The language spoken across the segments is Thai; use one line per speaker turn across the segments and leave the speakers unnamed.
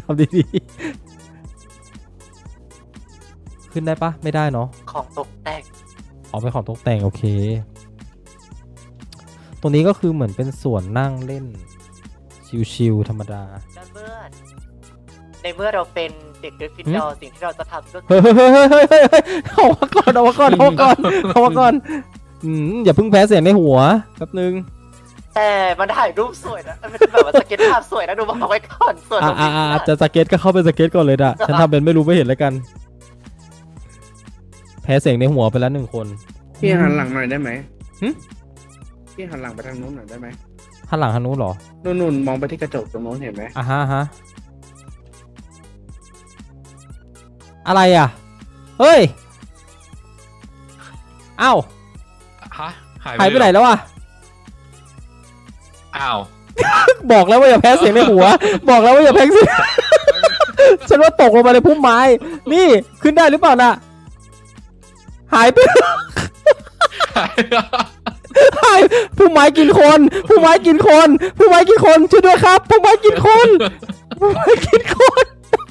ทำดีๆขึ้นได้ปะไม่ได้เนาะ
ของตกแต่ง
เอาไปของตกแต่งโอเคตรงนี้ก็คือเหมือนเป็นสวนนั่งเล่นชิลๆธรรมดา
ในเมื่อเราเป็นเด็กกริฟฟินดอร์สิ่งที่เราจะทำก็คื
เฮ้
อย
เฮ้ยเฮ้ยเฮ้ยเฮ้ยเอามาก่อนเอามาก่อนเอามาก่อนเอามาก่อนอย่าเพิ่งแพ้เสียงในหัวแป๊บนึง
แต่มันถ่ายรูปสวยนะมันเป็นแบบว่าสเก็ตภาพสวยนะดูบอกไว้ก่อนส่วนตรงนี้นะ
จะสเก็ตก็เข้าไปสเก็ตก่อนเลยด่ะฉันทำเป็นไม่รู้ไม่เห็นแล้วกัน แพ้เสียงในหัวไปแล้ว1 คน
พี่หันหลังหน่อยได้ไหม
หึ
พี่หันหลังไปทางนู้นหน่อยได้ไหม
หันหลังทางนู้นเหรอ
นู่นมองไปที่กระจกตรงนู้นเห็นไหม
ฮะอะไรอ่ะเฮ้ยอ้าว
ฮะ
หายไปไหนแล้วอ่ะ
อ้าว
บอกแล้วว่าอย่าแพ้เสียงในหัว บอกแล้วว่าอย่าแพ้เสียง ฉันว่าตกลงมาในพุ่มไม้ นี่ขึ้นได้หรือเปล่าน่ะ หายไป หายพุ่มไม้กินคนพุ่มไม้กินคนพุ่มไม้กินคนช่วยด้วยครับพุ่มไม้กินคนพุ่มไม้กินคน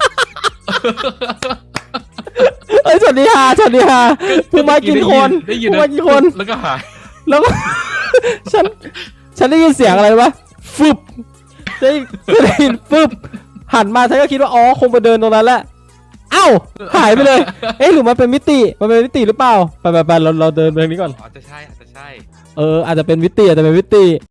เอ้ยสวัสดีฮะพุ่มไม้กินคน
ได้ยิน
พุ่มไม้กินคน
แล้วก็หาย
แล้วก็ ฉันได้ยินเสียงอะไรวะฟึบได้ยินฟึบหันมาฉันก็คิดว่าอ๋อคงไปเดินตรงนั้นแหละเอ้าหายไปเลย เอ๊ะหรือมันเป็นมิติหรือเปล่าไปเราเดินไปทางนี้ก่อน
อาจจะใช่
อาจจะเป็นมิติ